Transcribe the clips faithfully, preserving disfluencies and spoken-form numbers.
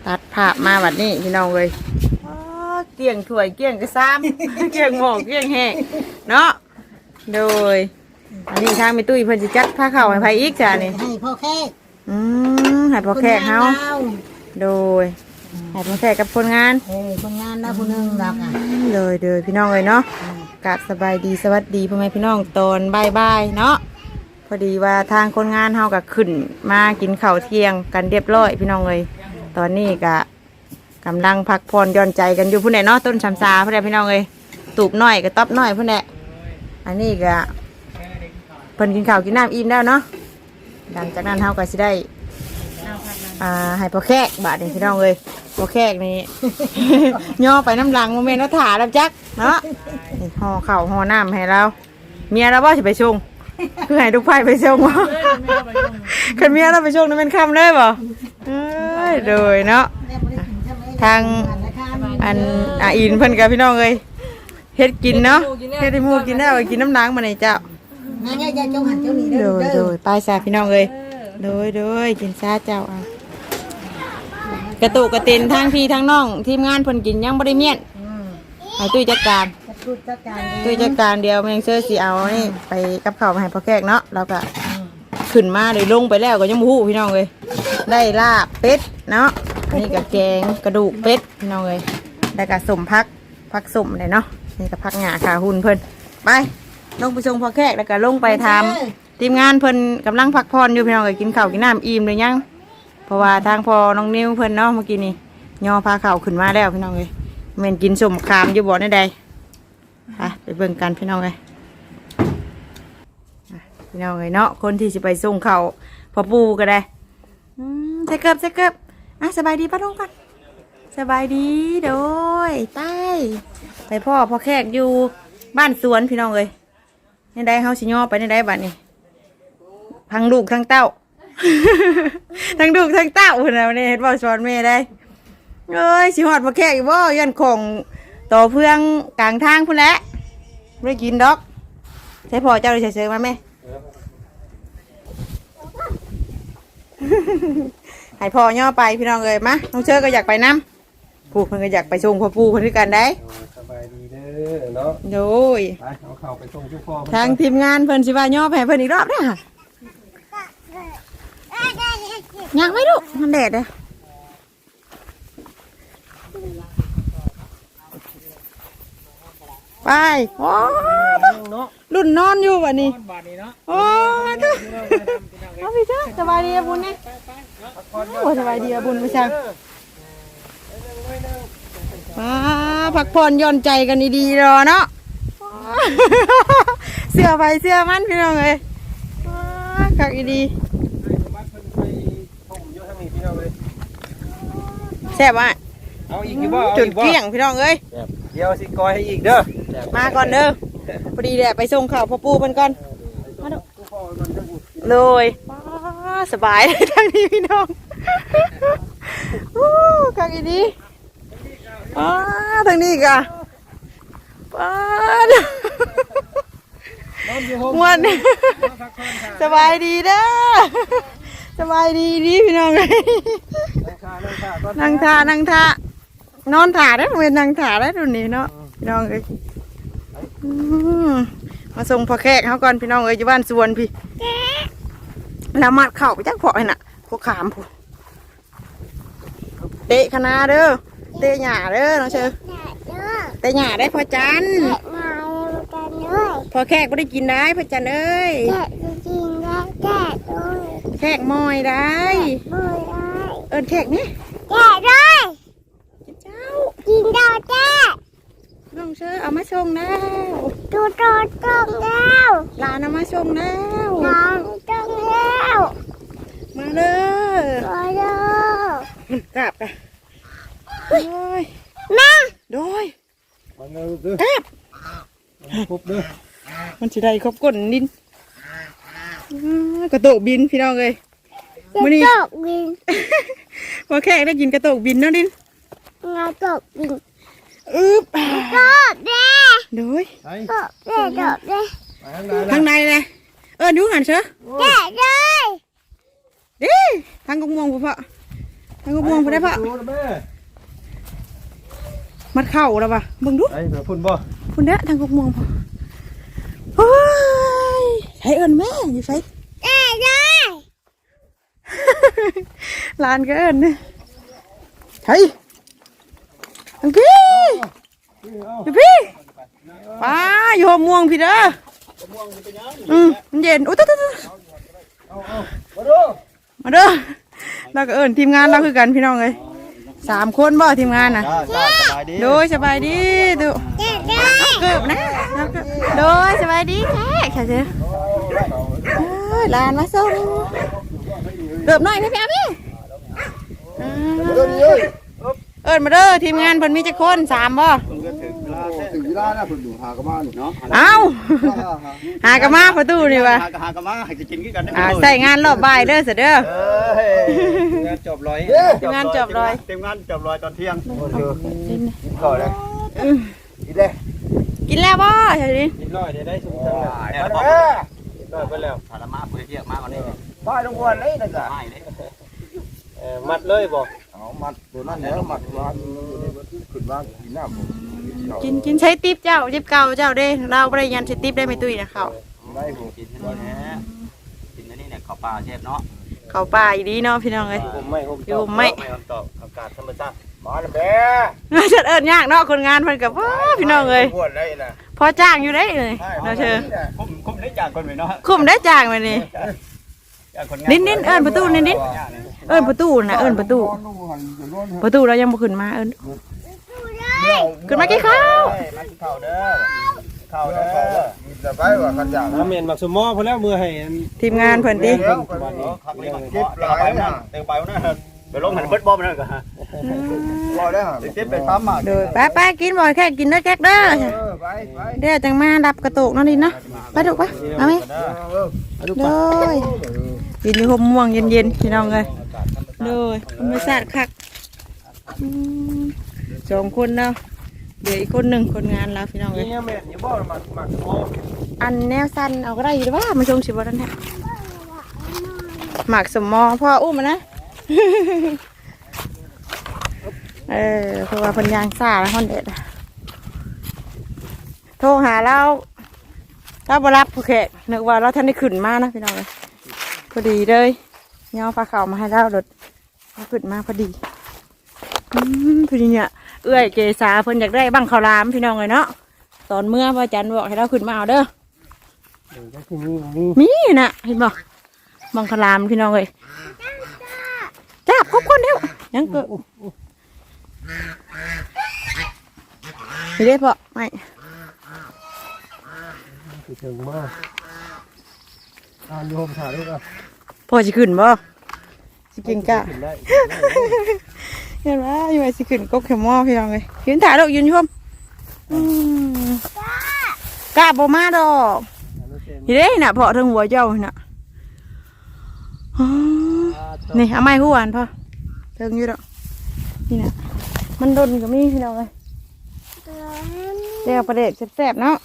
ตัดภาพมาแบบนี้พี่น้องเลยเกี่ยงถ้วยเกี่ยงกระซ้ำ เกี่ยงหม้อเกี่ยงแห้งเนาะโดยอันนี้ทางมีตุ้ยเพิ่นสิจัดผ้าเข่าให้ไผอีกจ้านี่ให้พ่อแขกอืมให้พ่อแขกเฮาโดยให้พ่อแขกกับคนงานเออคนงานนะผู้นึงรักอ่ะเลยเด้อพี่น้องเลยเนาะกะสบายดีสวัสดีพ่อแม่พี่น้องตอนบ่ายๆเนาะพอดีว่าทางคนงานเฮาก็ขึ้นมากินข้าวเที่ยงกันเรียบร้อยพี่น้องเลยตอนนี้ก็กำลังพักผ่อนหย่อนใจกันอยู่พุ่นแหละเนาะต้นชำซาพุ่นแหละพี่น้องเลยตูบน้อยกับต๊อบน้อยพุ่นแหละอันนี้ก็เพิ่นกินข้าวกินน้ำอิ่มแล้วเนาะหลังจากนั้นเฮาก็สิได้อ่าให้พ่อแขกบาดนี่พี่น้องเลยพ่อแขกนี่ ย่อไปน้ำหลังโมเมนต์ว่าถ่าแล้วจักเนาะห่อข้าวห่อน้ำให้เราเมียเราบ่สิไปชงคือให้ทุกไผ่ไปชงวะคันเมียเราไปชงนั่นเป็นคำเลยบ่เอ้ยโดยเนาะทางอันอาอินเพิ่นกับพี่น้องเลยเฮ็ดกินเนาะเฮ็ดให้หมูกินได้ไปกินน้ำล้างมาในเจ้าโดยโดยไปซาพี่น้องเลยโดยโดยกินซาเจ้าเอากระตุกกระตินทั้งพี่ทั้งน้องทีมงานเพิ่นกินยังบ่ได้เมียนให้ตุ้ยจัดการตุ้ยจัดการเดียวแมงเซอร์สิเอานี่ไปกับข้าวมาให้พ่อแขกเนาะแล้วก็ขึ้นมาเลยลงไปแล้วก็ยังบ่ฮู้พี่น้องเลยได้ลาบเป็ดเนาะนี่ก็แกงกระดูกเป็ดพี่น้องเลยได้ก็สมพักพักสมเลยเนาะนี่ก็พักหงาขาหุ่นเพิ่นไปลงไปส่งพ่อแขกแล้วก็ลงไปทำทีมงานเพิ่นกำลังพักผ่อนอยู่พี่น้องเลยกินข้าวกินน้ำอิ่มเลยยังเพราะว่าทางพอน้องนิ้วเพิ่นเนาะเมื่อกี้นี่ย่อพาข้าวขึ้นมาแล้วพี่น้องเลยแม่นกินสมคามอยู่บ่อนี่ใดไปไปเบิ่งกันพี่น้องเลยพี่น้องเลยเนาะคนที่จะไปส่งข้าวพอปูก็ได้ใส่เกือบใส่เกือบอ่ะสบายดีป้าลุงก่อนสบายดีโดยใต้ไปพ่อพ่อแขกอยู่บ้านสวนพี่น้องเลยนี่ได้เฮาสิย่อไปนี่ได้บัดนี้ทั้งลูกทั้งเต้า ทั้งลูกทั้งเต้าคนเราเนี่ยเห็นว่าสอนแม่ได้เอ้ยสิหอดพ่อแขกอีกบ่ยันของต่อเพื่องกลางทางพุ่นแหละไม่ได้กินดอกใช้พ่อเจ้าเลยเฉยๆมาแม่ให้พ่อย่อไปพี่น้องเลยมาน้องเชิญก็อยากไปน้ำปู่เพิ่นก็อยากไปส่งพ่อปู่เพิ่นด้วยกันได้สบายดีเด้อเนาะโดยไปเอาเข้าไปส่งทุกพ่อทางทีมงานเพิ่นสิว่าย่อแผ่เพิ่นอีกรอบเด้ออยากไหมลูกมันแดดเลยไปโอ้รุ่นนอนอยู่วันนี้โอ้ก็เอาพี่เจ้าสบายดีบุญเนี่ยโอ้สบายดีบุญไม่ใช่มาพักผ่อนย่อนใจกันดีๆรอเนาะเสื้อไปเสื้อมันพี่น้องเลยขักดีแซ่บอ่ะจุดเกี้ยงพี่น้องเอ้ยเดี๋ยวสิกอยให้อีกเด้อมาก่อนเด้อพอดีแหละไปส่งข่าวพ่อปู่เพิ่นก่อนมาดูเลยสบายเลยทางนี้พี่น้องขักดีป้าทางนี้กะป้าม่วนสบายดีเด้อสบายดีดีพี่น้องเลยนั่งท่านั่งท่านอนถ่าได้เหมือนนั่งถ่าได้ดูนี่เนาะพี่น้องเลยมาส่งพ่อแขกเขาก่อนพี่น้องเอ้ยอยู่บ้านสวนพี่แล้วมัดเข่าไปจักพอให้น่ะพวกขามพูเตะคณะเด้อเตะหญ้าเด้อน้องเชอเตะหญ้าได้พอจันพอแขกไม่ได้กินได้พอจันเอ้ยแขกมอยได้เอิญแขกนี่แขกได้เจ้ากินดาวแจ้น้องเชอเอามาส่งแล้วดูโตส่งแล้วหลานเอามาส่งแล้วหลานส่งแล้วมาเลยมาเลยกลับไปโดยแม่โดยกลับครบเด้อมันจะได้ครบก้นดินกระโตกบินพี่น้องเลยกระโตกบินพอแขกได้กินกระโตกบินเนาะดินกระโตกบินอึ๊บกระโตกเด้โดยกระโตกเด้เด้ทางในเลยเออดูหันเชอะแก่เลยดิทางกงมองพ่อทางกบม่วงพอได้ปะดูนะแม่มัดเข่าแล้วปะเบิ่งดูไอ้เผื่อพุ่นบ่คุณเด้อทางกบม่วงพอโอ้ยใช้เอิญแม่อยู่ใช้ได้ได้ลานก็เอิญเนี่ยใช่ทางพี่อยู่พี่ป้าอยู่หัวม่วงพี่เด้ออืมมันเย็นโอ้ยตุ๊ดตุ๊ดตุ๊ดมาดูมาเด้อเราก็เอิญทีมงานเราคือกันพี่น้องเลยสามคนบ่ทีมงานน่ะสบายดีโดยสบายดีดูเกือบนะโดยสบายดีแค่แค่เจ้าลานมาส่งเกือบหน่อยพี่พี่พี่เอิญมาเด้อทีมงานเพิ่นมีจักคนสามบ่ถึงเวลาแล้วเพิ่นอยู่หากระมานี่เนาะเอ้าหากะมาประตูนี่วะหากระหากระมาให้กินกันได้อ่าใส่งานรอบบ่ายเด้อเสยเด้อเอ้ยงานจบร้อยทีมงานจบเลยเต็มงานจบลอยตอนเที่ยงก่อนเลยกินเลยกินแล้วบ่เฉยดิกินร้อยได้ได้สุดจังเลยแอบบอกร้อยไปแล้วถ้าละมาเพื่อเที่ยงมาก่อนนี่บ้านลงวันเลยนะจ๊ะไม่เลยเออมัดเลยบ่เอามัดตัวนั้นแล้วมัดวางขึ้นวางกินน้ำผมกินกินใช้ติ๊บเจ้าติ๊บเก่าเจ้าเด้เราบ่ได้ยันใช้ติ๊บได้ไม่ตุ้ยนะเขาได้ผมกินนี่แหละกินนี่เนี่ยข้าวปลาเชฟเนาะเขาป่าอีดีเนาะพี่น้องเอ้ยผมไม่ผมอยู่ไม่ไม่คำตอบอากาศธรรมชาติมาแล้วแม่จัดเอิญยากเนาะคนงานเพิ่นกับพี่น้องเอ้ยปวดเลยนะพอจ้างอยู่ได้เลยเราเชิญคุ้มคุ้มได้จากคนไปเนาะคุ้มได้จ้างมานี่จากคนนิดนิดเอิญประตูนิดนิดเอิญประตูนะเอิญประตูประตูเรายังบ่ขึ้นมาเอิญขึ้นมากี่ข้าวมากินข้าวเด้อข้าวเด้อจะไปว่ากันอย่างน้ำเมนบักสมอพอแล้วมือให้ทีมงานเพิ่นติวันนี้ขับรถจิ๊บหลายนะเต็มไปนะไปลงหันเบิดบอมนั่นก็ฮะรอได้ฮะจิ๊บไปทำอ่ะโดยไปไปกินบ่อยแค่กินเด้อแก๊กเด้อไปไปเดี๋ยวจังมาดับกระตุกนั่นดินะไปดูไปเอาไหมโดยกินอยู่ห่มม่วงเย็นๆพี่น้องเลยโดยธรรมชาติคักอืมสองคนเนาะเดี๋ยวอีกคนหนึ่งคนงานแล้วพี่น้องเลยนี่เมนอย่าบอกมักมักสมออันแนวสั้นเอาก็ได้อยู่ด้วยว่ามาชงสิบวันนั้นแหละหมักสมอพ่ออุ้มมานะ เออเพราะว่าเพันยางซ่าแล้วคนเด็ดอะโทรหาเราเราบรับโอเคนึกว่าเราท่านได้ขึ้นมานะพี่น้องเลยพอดีเลยย่อปลาเข่ามาให้เรารถเราขึ้นมาพอดีอืมพอดีเนี่ยเอื้อยเกษาเพิ่นอยากได้บังข้าวรามพี่น้องเลยเนาะตอนเมื่อพระอาจารย์บอกให้เราขึ้นมาเอาเด้อก็คือมีมีมีน่ะเห็นบอกบังคลามพี่น้องเลยจ้าครบคนเดียวยังเกิดไม่ได้พอไม่ถึงมากอ่านโยมถ่ายด้วยกันพอจะขึ้นบ่สิกินกะขึ้นได้เห็นว่าอยู่ไอ้สิขึ้นก็เข็มหม้อพี่น้องเลยยืนถ่ายดอกยืนชมอืมกะบ่มาดอกนี่เด้น่ะเพาะทั้งหัวเจ้าน่ะอ๋อนี่เอาไม้คู่หวานพอเทิงอยู่ดอกนี่น่ะมันดนก็มีพี่น้องเลยเดี๋ยวประเด็กแซ่บๆเนาะ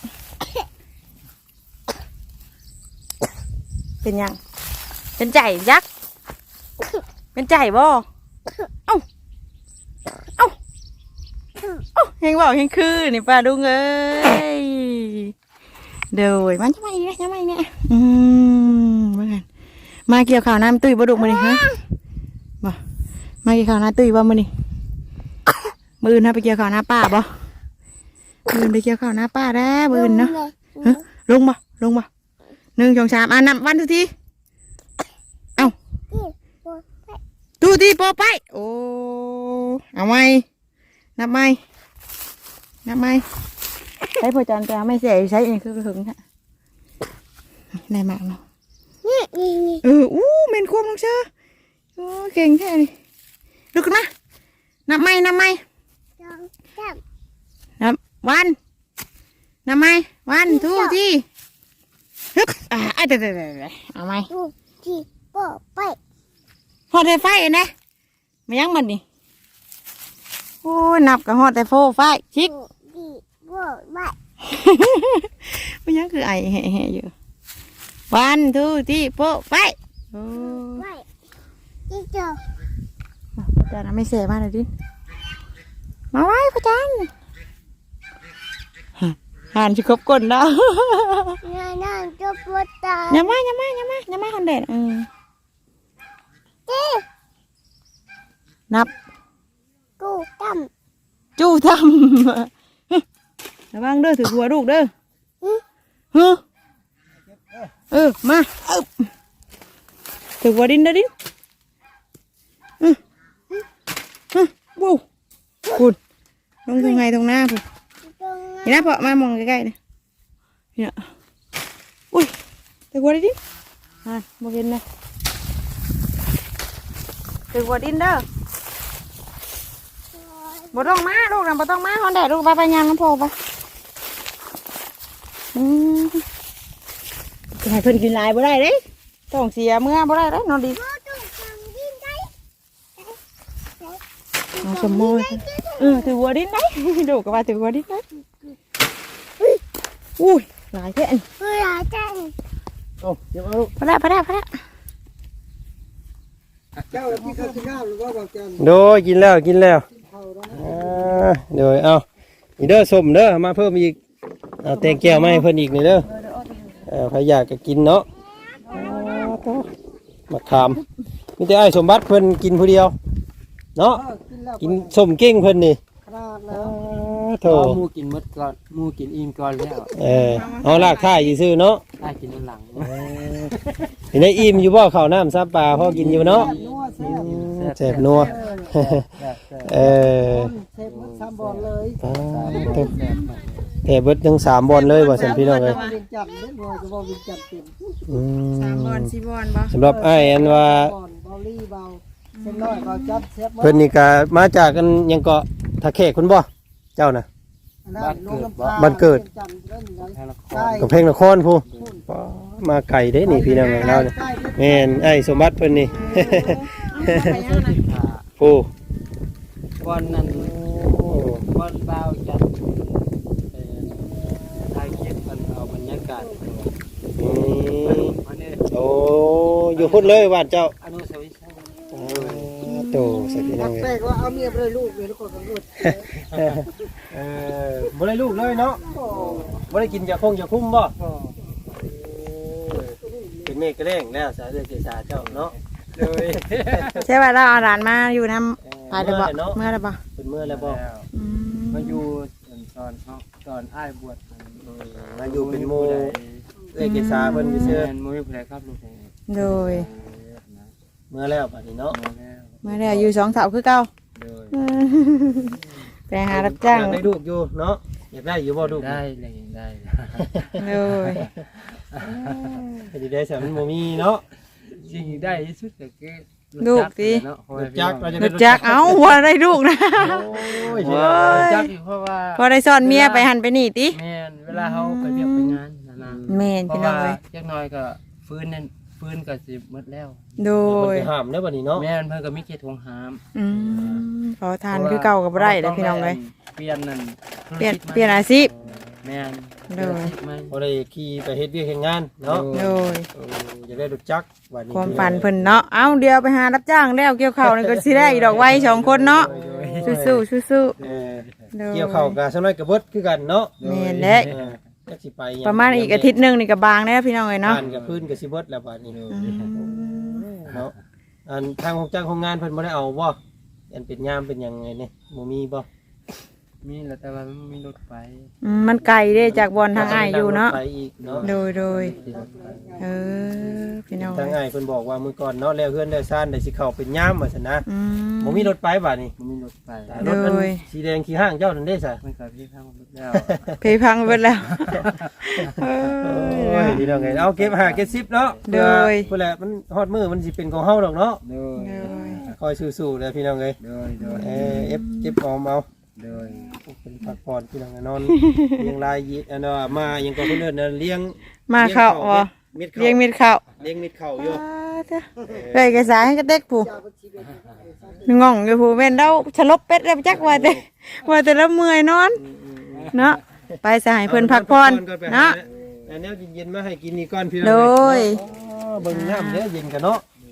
เป็นยังเป็นใจยักษ์เป็นใจบ่เอ้าเอ้าเอ้าเฮงบอกเฮงคือนี่ป้าดุงเอ้ยเดี๋ยวมันจะมาอีกนะจะมาอีกเนี่ยอืมมากันมาเกี่ยวข่าวน้ำตุ้ยบ่ดุมาดิฮะมามาเกี่ยวข่าวน้ำตุ้ยบ่มาดิมืออื่นนะไปเกี่ยวข่าวน้าป้าบ่มืออื่นไปเกี่ยวข่าวน้าป้าแล้วมืออื่นเนาะฮะลงบ่ลงบ่หนึ่งสองสามอ่ะนับวันทุกทีเอ้าทุกทีโปไปโอ้เอาไหมนับไหมนับไหมใช้พอจันทร์ไม่เสียใช้เองคือถึงฮะได้มากเนาะเอออู้เมนควมลงเชื่อโอ้เก่งแท้นี่ลุกขึ้นมานับไหมนับไหมนับวันนับไหมวันทุกทีฮึบอ่าเดี๋ยวเดี๋ยวเดี๋ยวเอาไหมพอได้ไฟนะมายังมันนี่โอ้นับกับหอดแต่โฟไฟชิกมันยังคือไอแห่ๆอยู่วันทุกทีโฟไฟโอ้จานไม่เสียมาเลยดิมาไว้พ่อจันหันชิคบก้นดาวงานนั่งจะปวดตาอย่ามาอย่ามาอย่ามาอย่ามาคนเด็ดอืมเจ๊นับกูตั้มจู้ทำระวังเด้อถือหัวลูกเด้อฮึเออมาเออถือหัวดินเด้อดินอือฮึวู้คุณลงตรงไหนตรงหน้าคุณตรงนี่นะเพาะมามองใกล้ๆเนี่ยเนี่ยอุ้ยถือหัวดินอ่ะโมเห็นเลยถือหัวดินเด้อบ่ต้องมาลูกนะบ่ต้องมาฮอนแดดลูกไปไปยามน้ำโพไปอืมจะให้เพิ่นกินหลายบ่ได้เด้ต้องเสียเมื่อบ่ได้เด้นอนดีพ่อต้องทำดินได้เอาสมมุติเออถือหัวดินได้ ดูก็ว่าถือหัวดินได้อุ้ยหลายแท้อันเพื่อจังโอ้เดี๋ยวเอาลูกพอแล้วพอแล้วพอแล้วเจ้าพี่ข้าวกินข้าวหรือว่าบอกจันโดยกินแล้วกินแล้วอ่าโดยเอาอีเด้อส้มเด้อมาเพิ่มอีกเอาแตงแก้วมาให้เพิ่นอีกนี่เด้อเออใครอยากจะกินเนาะมาขามมีแต่ไอ้สมบัติเพิ่นกินผู้เดียวเนาะกินแล้วกินส้มเก่งเพิ่นนี่ขนาดแล้วโถหมูกินมดก่อนหมูกินอิ่มก่อนแล้วเออเอาลากท่ายซื่อๆเนาะได้กินน้ำหลังเห็นได้อิ่มอยู่บ่ข้าวน้ำซับปลาพอกินอยู่เนาะนัวแซ่บอืมแซ่บนัวเออเซฟมันสามบอลเลยอ่าโถ่แต่เบิดทั้งสามบอลเลยว่าซั่นพี่น้องเอ้ยเวียงจันทร์เล่นบอลจะบอลเวียงจันทร์เต็มอืมสามบอลสี่บอลบ่สำหรับอ้ายอันว่าบอลบอลลี่เบาเส้นน้อยเบาจับเซฟเพิ่นนี่ก็มาจากกันหยังเกาะทะแขกคุณบ่เจ้าน่ะ บ้านเกิด กับเพลงนครผู้มาไก่เด้นี่พี่น้องของเราเนี่ยแม่นไอ้สมบัติเพิ่นนี่ ผู้วันนั้นวันเบาจัดถ่ายคลิปกันเอาบรรยากาศอืมอันนี้โอ้อยู่พุ่นเลยบ้านเจ้าอนุสาวรีย์อ่าโตสักพี่น้องแปลเอ้ยกว่าเอาเมียไปเลยลูกเลยทุกคนกันหมดเออบ่ได้ลูกเลยเนาะบ่ได้กินยาคงยาคุ้มบ่เป็นเมฆกระแรงแล้วสาเดือเจสาเจ้าเนาะเลยใช่ป่ะเราเอาหลานมาอยู่น้ำตายเลยบ่เมื่อไรบ่เป็นเมื่อแล้วบ่อืมมาอยู่ตอนเขาตอนอ้ายบวชมาอยู่เป็นโมเอ้ยเกษาเพิ่นเชื่ซื่ออมวยผู้ใดครับลูกโดยเมื่อแล้วบัดนี้เนาะมาแล้วเมื่อไรอยู่สองเสาคือเก่าโดยอืมไปหารับจ้างอยากได้ลูกอยู่เนาะอยากได้อยู่บ่ลูกได้เลยได้โดยให้ได้สามันบ่มีเนาะสิ่งที่ได้ที่สุดก็คือรถจักรเราจะรได้ถจักรเอาว่าได้ลูกนะโอ้ยโอ้จักอยู่เพราะว่าพอได้สอนเมียไปหันไปนี่ติแม่นเวลาเขาไปเรียกไปงานนะนะแม่นเพพี่ราะน้องว่าเลยจักหน่อยก็ฟื้นนั่นฟื้นก็สิหมดแล้วโดโอ้ยยห้ามเด้อบัดนี้เนาะแม่นเพิ่นก็มีเขตทวงหามอืมขอทานคือเก่ากับไรเลยพี่น้องเลยเปลี่ยนนั่นเปลี่ยนเปลี่ยนอาชีพแม่นเด้อไหมบ่ได้ขี่ไปเฮ็ดเวียกเฮ็ดงานเนาะโดยเอออยากได้รถจักรบัดนี้ความฝันเพิ่นเนาะเอ้าเดี๋ยวไปหารับจ้างแล้วเกี่ยวข้าวนี่ก็สิได้อีดอกไว้สองคนเนาะสู้ๆสู้เออๆโดยเกี่ยวข้าวกับสำน้อยกับเบิดคือกันเนาะแม่นแหละเออจักสิไปหยังประมาณอีกอาทิตย์หนึงนี่ก็บางแล้วพี่น้องเลยเนาะบ้านกับพื้นกับสิเบิดแล้วบัดนี้อืมเนาะอันทางของจ้างของงานเพิ่นบ่ได้เอาบ่อันเป็นยามเป็นหยังไงเนี่ยบ่มีบ่มีแล้วแต่ว่ามันมีรถไฟอืมมันไกลเด้จากบอนทางอ้ายอยู่เนาะไปอีกเนาะโดยโดยที่รถไฟเออพี่น้องทางอ้ายเพิ่นบอกว่ามื้อก่อนเนาะแล้วเฮือนได้ซ่านได้สิเข้าเป็นยามว่าซั่นนะอืมบ่มีรถไปบัดนี้มันมีรถไฟแต่รถมันโดยสีแดงขี้ห้างเจ้านั่นเด้ซะมันก็พี่ข้างรถแล้วเพยพังไปแล้วเอโอ้อยพี่น้องไงเอาเก็บหาเก็บสิบเนาะโดยเพื่อแหละมันฮอดมือมันสิเป็นของเฮาดอกเนาะโดยโดยคอยสู้ๆเลยพี่น้องเอ้ยโดยโดยเออเอฟเก็บออมเอาโดยเป็นพักผ่อนพี่น้องนอน เลี้ยงลายยีอันว่ามายังก็เพิ่นเอิ้นนะเลี้ยงมาเข้าบ่เม็ดเลี้ยงข้าวมิดเข้าเลี้ยงเม็ดข้าวอยู่ไปกระสายให้กระเต็กผู้งงอยู่ผู้แม่นเดาฉลบเป็ดแล้วจักว่าแต่ว่าแต่ละเมื่อยนอนเนาะไปสหายเพิ่นพักผ่อนเนาะอันนี้เย็นๆมาให้กินนี่ก่อนพี่น้องโดเอ้ยอ๋อเบิ่งน้ำเด้อเย็นกันเนาะ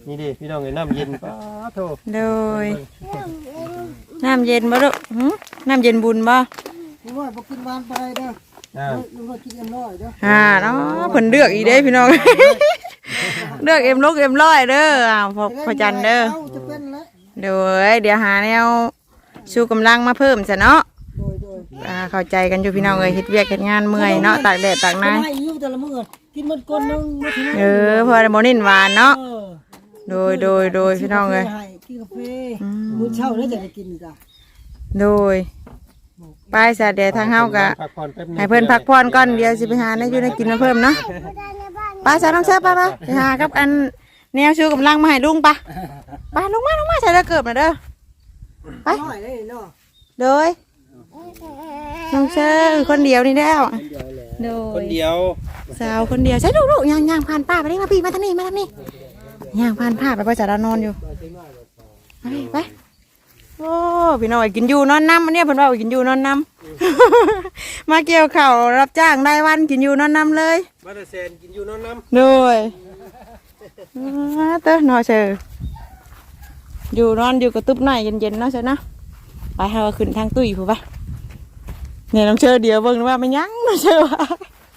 นี่ดิพี่น้องเอ้ยน้ำเย็นป้าโธ่โดยน้ำเย็นบ่ลูกหึน้ำเย็นบุญบ่ลุงน้อยบ่กินหวานไปเด้ออ่าลุงน้อยกินเอ็มร้อยเด้ออ่าเนาะเพิ่นเลือกอีกเด้พี่น้อง เลือกเอ็มลกเอ็มร้อยเด้ออ้าวพอพอจันเด้อเอาจะเป็นแล้วเดี๋ยวเอ้ยเดี๋ยวหาแนวชูกำลังมาเพิ่มซะเนาะโดยโดยอ่าเข้าใจกันอยู่พี่น้องเอ้ยเฮ็ดเวียกเฮ็ดงานเมื่อยเนาะตากแดดตากหน้าให้อยู่แต่ละมื้อกินมันก้นนึงบ่ถึงเออพอได้บ่เน้นหวานเนาะเออโดยโดยโดยพี่น้องเอ้ยให้กินกาแฟมื้อเช้าแล้วจะได้กินจ้ะโดยไปซะเดี๋ยวทางเฮากะพักผ่อนแป๊บนึงให้เพิ่นพักผ่อนก่อนเดี๋ยวสิไปหาในอยู่ในกินมาเพิ่มเนาะไปซะน้องเชิญไปไปไปหากับอันแนวชูกำลังมาให้ลุงปะไปลงมาลงมาใส่ตะเกิบน่ะเด้อไปน้อยเลยเนาะโดยน้องเชิญคนเดียวนี่แล้วโดคนยเดียวสาวคนเดียวใช่ลูกๆย่างย่างผ่านป้าไปนี่มาพี่มาทางนี้มาทางนี้ย่างผ่านป้าไปพ่อจ๋าเรานอนอยู่ไปไปโอ้พี่น้อยกินอยู่นอนน้ำอันเนี้ยเพิ่นว่ากินอยู่นอนน้ำ มาเกี่ยวข้าวรับจ้างได้วันกินอยู่นอนน้ำเลยมาแต่เซนกินอยู่นอนน้โดยอ่าเต้อนอนเชออยู่นอนอยู่กระตุ้บหน่อยเย็นๆเนาะเชอเนาะไปให้เราขึ้นทางตุ้ยผู้ปะเนี่ยน้องเชอเดียวเบิ่งว่ามันยั้งน้องเชอว่า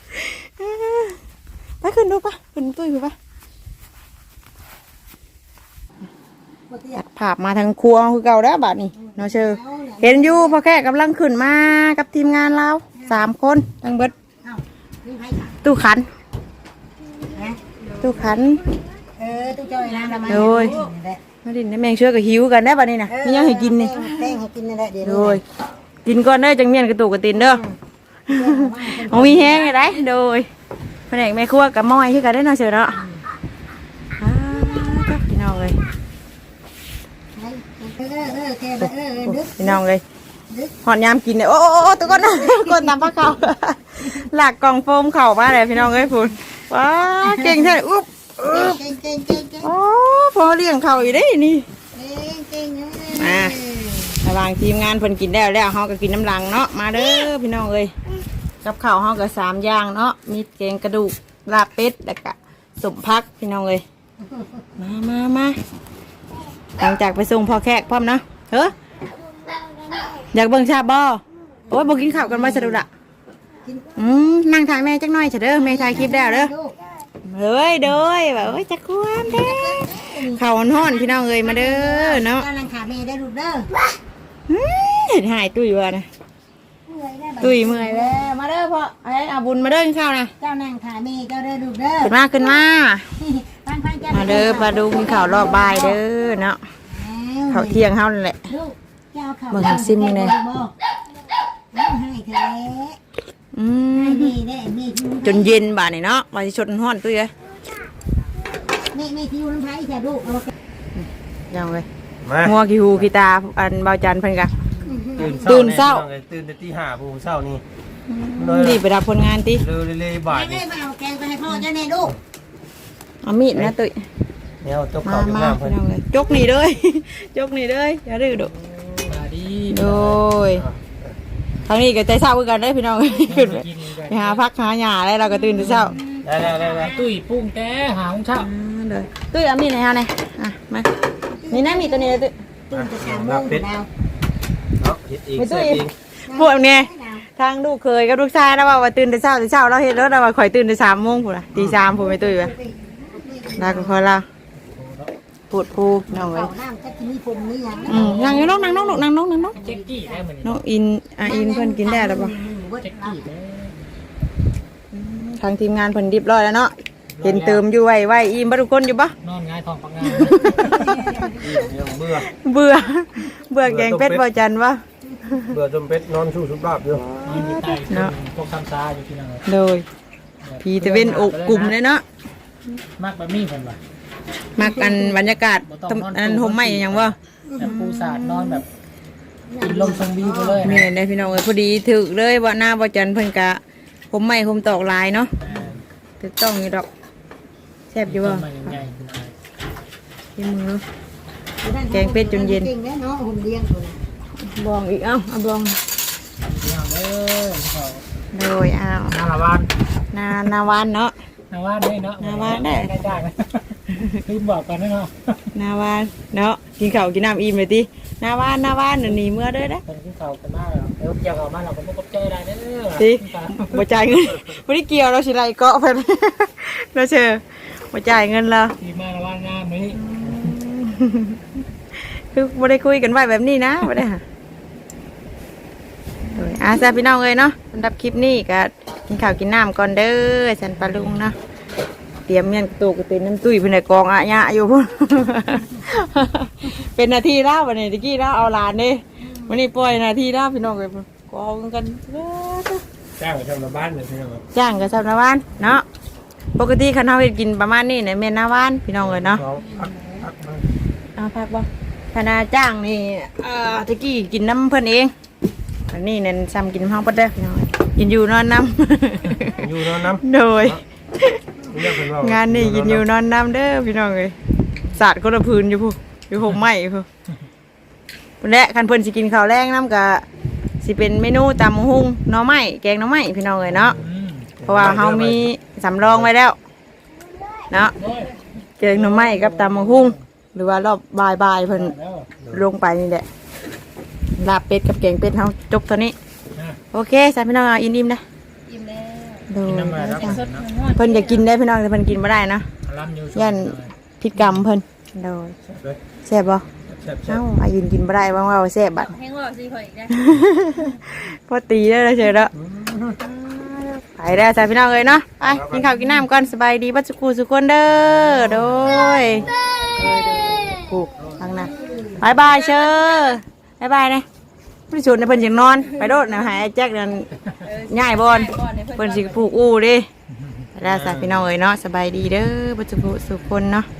ไปขึ้นดูปะขึ้นตุ้ยผู้ปะบ่เตี้ยตัดภาพมาทางครัวคือเก่าแล้วบัดนี้เนาะเชอเห็นอยู่พอแค่กำลังขึ้นมากับทีมงานเราสามคนทั้งเบิดนี่ไผค่ะตู้ขันตู้ขันเออตู้จอยน้ำละมาโดย มาดินแม่งเชื่อกับหิวกันได้บัดนี้นะมียังให้กินนี่แป้งให้กินนั่นแหละเดี๋ยวโดยกินก่อนเด้อจังเมียนกระตุกกระตินเด้อเอามีแห้งเลยได้โดยแผนกแม่ครัวกับม้อยที่กันได้เนาะเชอเนาะอ่าพี่น้องเลยเออเออแกเออเออดึกพี่น้องเลยหอนยามกินเนี่ยโอ้โอ้โอ้ตัวก้อนนะก้อนตามปลาเข่าหลักกล่องโฟมเข่ามาเลยพี่น้องเอ้ยพูนว้าเก่งใช่อุ๊บอุ๊บเก่งเก่งเก่งเก่งโอ้พอเลี้ยงเข่าอีกได้นี่เก่งเก่งอ่าระหว่างทีมงานเพิ่นกินได้แล้วเฮาก็กินน้ำลังเนาะมาเด้อพี่น้องเอ้ยกับข้าวเฮาก็สามอย่างเนาะมีแกงกระดูกลาบเป็ดแล้วก็สมพักพี่น้องเอ้ยมามามาหลังจากไปส่งพ่อแขกพร้อมเนาะเฮ้ออยากเบิ่งชาบ่โอ้ยบ่กินข้าวกันบ่สะดุดอ่ะอืมนั่งถ่ายแม่จักหน่อยเถอะเด้อแม่ถ่ายคลิปแล้วเด้อเฮ้ยเด้อแบบเอ้ยจักความเด้อข้าวฮ้อนๆพี่น้องเอ้ยมาเด้อเนาะกำลังขาแม่ได้ลูกเด้ออืมเห็นหายตุ้ยว่านะตุ้ยเมื่อยแล้วมาเด้อพ่อไอ้อาบุญมาเด้อกินข้าวนะเจ้านั่งขาแม่เจ้าได้ลูกเด้อขึ้นมาขึ้นมาฟังฟังเจ้ามาเด้อปลาดูกินข้าวรอบบ่ายเด้อเนาะข้าวเที่ยงเฮานั่นแหละลูกเจ้าเขาเบิ่งให้ซิมมึงแน่ให้เธออืมให้ดีได้แม่ที่จนเย็นบ่านี่เนาะว่าสิชดฮ้อนตุ้ยเอ้ยแม่แม่ที่อยู่น้ำไผ่แค่ลูกเอายังเลยำมางัวกี่หูกี่ตาอันเบาจันเพิ่นกะ ตื่ตื่นนเช้าเช้าตื่นแต่ตีห้าผู้เช้านี่รีบไปรับผลงานติเร็วเลยบ่ายแม่นี่มาเอาแกงไปให้พ่อเจ้าแน่ลูกเอามีดนะตุ้ยเนี่ยจกมาข้าวจกมาน้ำเพิ่นพี่น้องเลยจกนี่เด้อ จกนี่เด้ออย่าดื้อดุมาดีโดยทางนี้ก็ใจเศร้าคือกันได้อพี่น้อง ขึ้นไปกินกันไปหาพักหาหญ้าแล้วเราก็ตื่นแต่เช้าได้ได้ได้ได้ตุ้ยปุ้งแต่หาของเช้าอ่าเลยตุ้ยเอามีดไหนเอาไหนอ่ะมานี่นะมีดตัวนี้เลยตุ้ยตื่นจะสามโมงดาวเนาะเฮ็ดเองไม่ตุ้เสร็ยจเองพวกเนี่ยทางลูกเคยกับลูกชายนะว่าว่าตื่นแต่เช้าแต่เช้าเราเห็นแล้วเราว่าข่อยตื่นแต่สามโมงพูดละตีสามพูดไม่ตุ้ยวะได้ก็พอเราปวดพูน้องเลยเขาน้ำจะกินมีผมมีอย่างอืมนั่งอยู่น้องนั่งน้องลูกนั่งน้องนั่งน้องเจ๊กกี้ได้เหมือนน้องอินอ่ะอินเพิ่นกินได้แล้วปะเจ๊กกี้ได้ทางทีมงานเพิ่นเรียบร้อยแล้วเนาะเห็นเติมอยู่ไว้ไว้อิ่มบ่ทุกคนอยู่ปะนอนง่ายทองปังงานยังเบื่อเบื่อเบื่อแกงเป็ดบ่จันวะเบื่อจมเป็ดนอนชูสุบราบอยู่นอนอยู่ใต้พวกคำซาอยู่ที่นั่นเลยโดยพีตะเวนอกกลุ่มเลยเนาะมากแบบนี้เพิ่นว่ามักกันบรรยากาศตำอันนั้นห่มไหมอย่างว่าแบบปูสาดนอนแบบกินลมชมวิวไปเลยนี่ได้พี่น้องเอ้ยพอดีถึกเลยว่าหน้าบ่จันเพิ่นกะห่มไหมห่มตอกลายเนาะถูกต้องอยู่ดอกแซ่บอยู่บ่มันใหญ่ที่มือแกงเป็ดจนเย็นเก่งแน่เนาะผมเลี้ยงตัวน่ะบองอีกเอ้าเอาบองเที่ยวเด้อเขาโดยอ้าวนาละวันนานาวานเนาะนาว่าได้เนาะได้ได้ลืมบอกกันนะเนาะหน้าบ้านเนาะกินข้าวกินน้ำอิ่มเลยติหน้าบ้านหน้าบ้านน่ะหนีเมื่อเด้อนะเป็นที่เขากันมากแล้วเดี๋ยวเกี่ยวกับมาเราก็ไม่กบใจได้เด้อติบ่จ่ายเงินบ่ได้เกี่ยวเราสิไล่เกาะเพิ่น เราเชื่อบ่จ่ายเงินเราดีมากว่างามนี้คือบ่ได้คุยกันไว้แบบนี้นะบ่ได้ค่ะโดยอาซาพี่น้องเอ้ยเนาะสำหรับคลิปนี้ก็กินข้าวกินน้ำก่อนเด้อฉันปลาลุงเนาะเตรียมเมียนกระตูกระตินน้ำตุ้ยเพิ่นได้กองอะยะอยู่พุ่น เป็นนาทีแล้ววันนี้ตะกี้แล้วเอาหลานเด้วันนี้ปล่อยนาทีแล้วพี่น้องเอ้ยกองกันจ้างไปทำในบ้านเลยพี่น้องจ้างกับชาวนาบ้านเนาะปกติคันเฮาเฮ็ดกินประมาณนี้เนี่ยแม่นหน้าบ้านพี่น้องเอ้ยเนาะ เอาพักบ่คณะจ้างนี่เอ่อตะกี้กินน้ำเพิ่นเองอันนี้เนี่ยซ้ำกินห้องปดเด้อพี่น้องกินอยู่นอนน้ำอยู่นอนน้ำโดยเรียกเพิ่นว่างานนี่กินอยู่นอนน้ำเด้อพี่น้องเอ้ยสาดคนละพื้นอยู่ผู้อยู่ห่มไม้ผู้พุ่นแหละคันเพิ่นสิกินข้าวแรงน้ำกะสิเป็นเมนูตำหุ่งหน่อไม้แกงหน่อไม้พี่น้องเอ้ยเนาะเพราะว่าเฮามีสำรองไว้แล้วเนาะแกงหน่อไม้กับตำหุ่งหรือว่ารอบบ่ายๆเพิ่นลงไปนี่แหละลาบเป็ดกับแกงเป็ดเฮาจบเท่านี้โอเคสามพี่น้องเอาอิ่มๆนะอิ่มแล้วดูน้ำมาแล้วสดๆร้อนเพิ่นอยากกินได้พี่น้องแต่เพิ่นกินไม่ได้นะล้ำอยู่ย่านพิษกรรมเพิ่นโดยแซ่บบ่เอ้าอายุนกินไม่ได้บ้างว่าแซ่บบัดแห้งว่าสิข่อยอีกแล้วพอตีได้แล้วเฉยแล้วไปได้สามพี่น้องเลยเนาะไปกินข้าวกินน้ำก่อนสบายดีบัดสุกูสุกคนเด้อโดยผูกทางนั้นบายบายเชอบายบายนะพี่ชวนในเพิ่นสินอนไปโดดนะหายแจ็คนั่นง่ายบอลเพิ่นสิผูกอู้ดิได้สามพี่น้องเลยเนาะสบายดีเด้อบัดสุกูสุกคนเนาะ